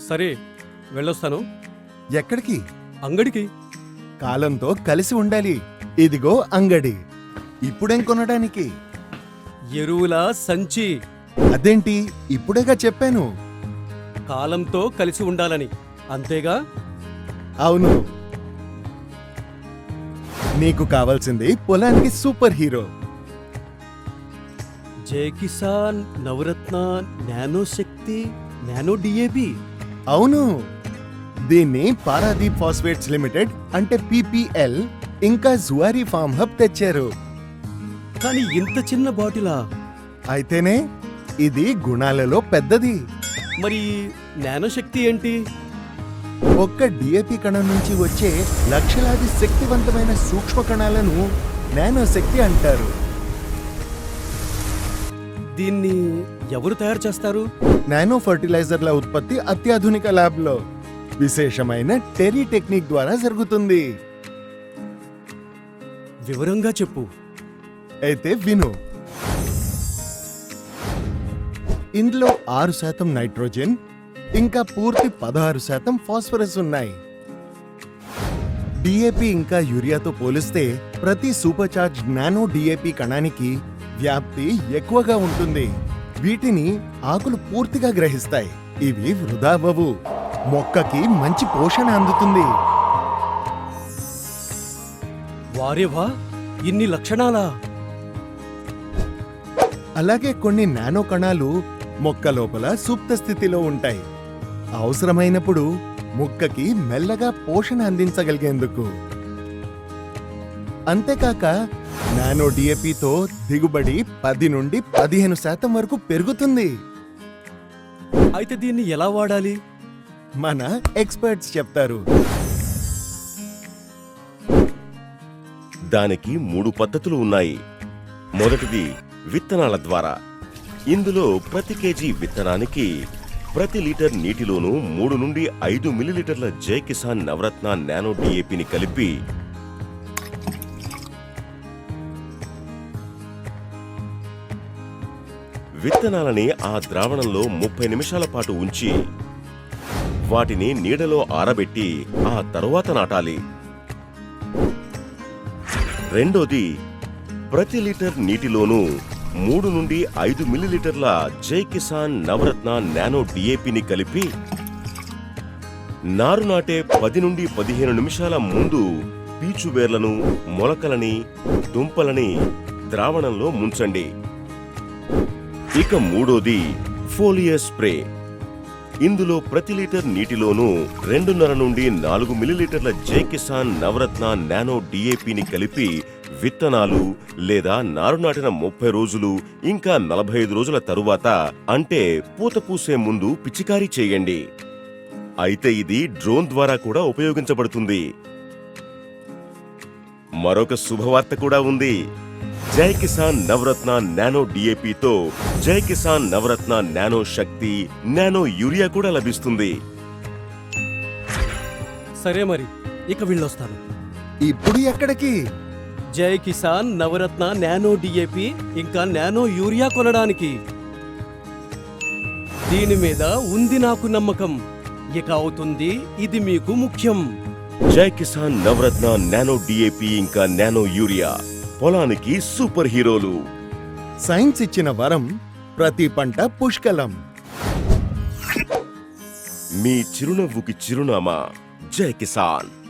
సరే, వెళ్ళొస్తాను. ఎక్కడికి? అంగడికి. కాలంతో కలిసి ఉండాలి. ఇదిగో అంగడి. ఇప్పుడేం కొనడానికి? ఎరువుల సంచి. అదేంటి, ఇప్పుడేగా చెప్పాను. కాలంతో కలిసి ఉండాలని, అంతేగా? అవును. నీకు కావాల్సింది పొలానికి super hero. Jai Kisan, Navratna, nano Shakti, nano DAP. అవును, దీన్ని పారాదీప్ ఫాస్ఫేట్స్ లిమిటెడ్ అంటే PPL ఇంకా జువారీ ఫార్మ్ హబ్ తెచ్చారు. కానీ ఇంత చిన్న బాటిలా? అయితేనే, ఇది గుణాలలో పెద్దది. మరి నానో శక్తి ఏంటి? ఒక్క డిఏపి కణం నుంచి వచ్చే లక్షలాది శక్తివంతమైన సూక్ష్మ కణాలను నానో శక్తి అంటారు. దీన్ని ఎవరు తయారు చేస్తారు? నానో ఫర్టిలైజర్ల ఉత్పత్తి అత్యాధునిక ల్యాబ్లో విశేషమైన టెరీ టెక్నిక్ ద్వారా జరుగుతుంది. వివరంగా చెప్పు. అయితే విను. ఇందులో 6% నైట్రోజన్ ఇంకా పూర్తి 16% ఫాస్ఫరస్ ఉన్నాయి. డిఏపి ఇంకా యూరియాతో పోలిస్తే ప్రతి సూపర్ చార్జ్ నానో డిఏపి కణానికి వ్యాప్తి ఎక్కువగా ఉంటుంది. వీటిని ఆకులు పూర్తిగా గ్రహిస్తాయి. ఇవి వృధా అవ్వవు. మొక్కకి మంచి పోషణ అందుతుంది. వారేవా, ఇన్ని లక్షణాలా? అలాగే కొన్ని నానో కణాలు మొక్క లోపల సుప్త స్థితిలో ఉంటాయి, అవసరమైనప్పుడు మొక్కకి మెల్లగా పోషణ అందించగలిగేందుకు. అంతేకాక నానో డిఏపితో దిగుబడి 10 నుండి 15% వరకు పెరుగుతుంది. అయితే దీన్ని ఎలా వాడాలి? మన ఎక్స్పర్ట్స్ చెప్తారు. దానికి 3 పద్ధతులు ఉన్నాయి. మొదటిది విత్తనాల ద్వారా. ఇందులో ప్రతి కేజీ విత్తనానికి ప్రతి లీటర్ నీటిలోనూ 3 నుండి 5 మిల్లీలీటర్ల జై కిసాన్ నవరత్న నానో డిఏపిని కలిపి విత్తనాలని ఆ ద్రావణంలో 30 నిమిషాల పాటు ఉంచి వాటిని నీడలో ఆరబెట్టి ఆ తరువాత నాటాలి. రెండోది, ప్రతి లీటర్ నీటిలోనూ 3 నుండి 5 మిల్లీలీటర్ల జై కిసాన్ నవరత్న నానో డిఏపిని కలిపి నారు నాటే 10 నుండి 15 నిమిషాల ముందు పీచు వేర్లను, మొలకలని, దుంపలని ద్రావణంలో ముంచండి. ఇక మూడోది ఫోలియర్ స్ప్రే. ఇందులో ప్రతి లీటర్ నీటిలోనూ 2.5 నుండి 4 మిల్లీలీటర్ల జై కిసాన్ నవరత్న నానో డిఏపిని కలిపి విత్తనాలు లేదా నారు నాటిన 30 రోజులు ఇంకా 45 రోజుల తరువాత, అంటే పూత పూసే ముందు పిచికారీ చేయండి. అయితే ఇది డ్రోన్ ద్వారా కూడా ఉపయోగించబడుతుంది. మరొక శుభవార్త కూడా ఉంది. జై కిసాన్ నవరత్న నానో డిఏపితో Jai Kisan Navratna nano Shakti, nano urea కూడా లభిస్తుంది. సరే మరి, ఇక వెళ్ళొస్తాను. ఇప్పుడు ఎక్కడికి? జై కిసాన్ నవరత్న నానో డిఏపి ఇంకా నానో యూరియా కొనడానికి. దీని మీద ఉంది నాకు నమ్మకం. ఇక అవుతుంది ఇది మీకు ముఖ్యం. జై కిసాన్ నవరత్న నానో డిఏపి ఇంకా నానో యూరియా పొలానికి సూపర్ హీరోలు. సైన్స్ ఇచ్చిన వరం, ప్రతి పంట పుష్కలం. మీ చిరునవ్వుకి చిరునామా జై కిసాన్.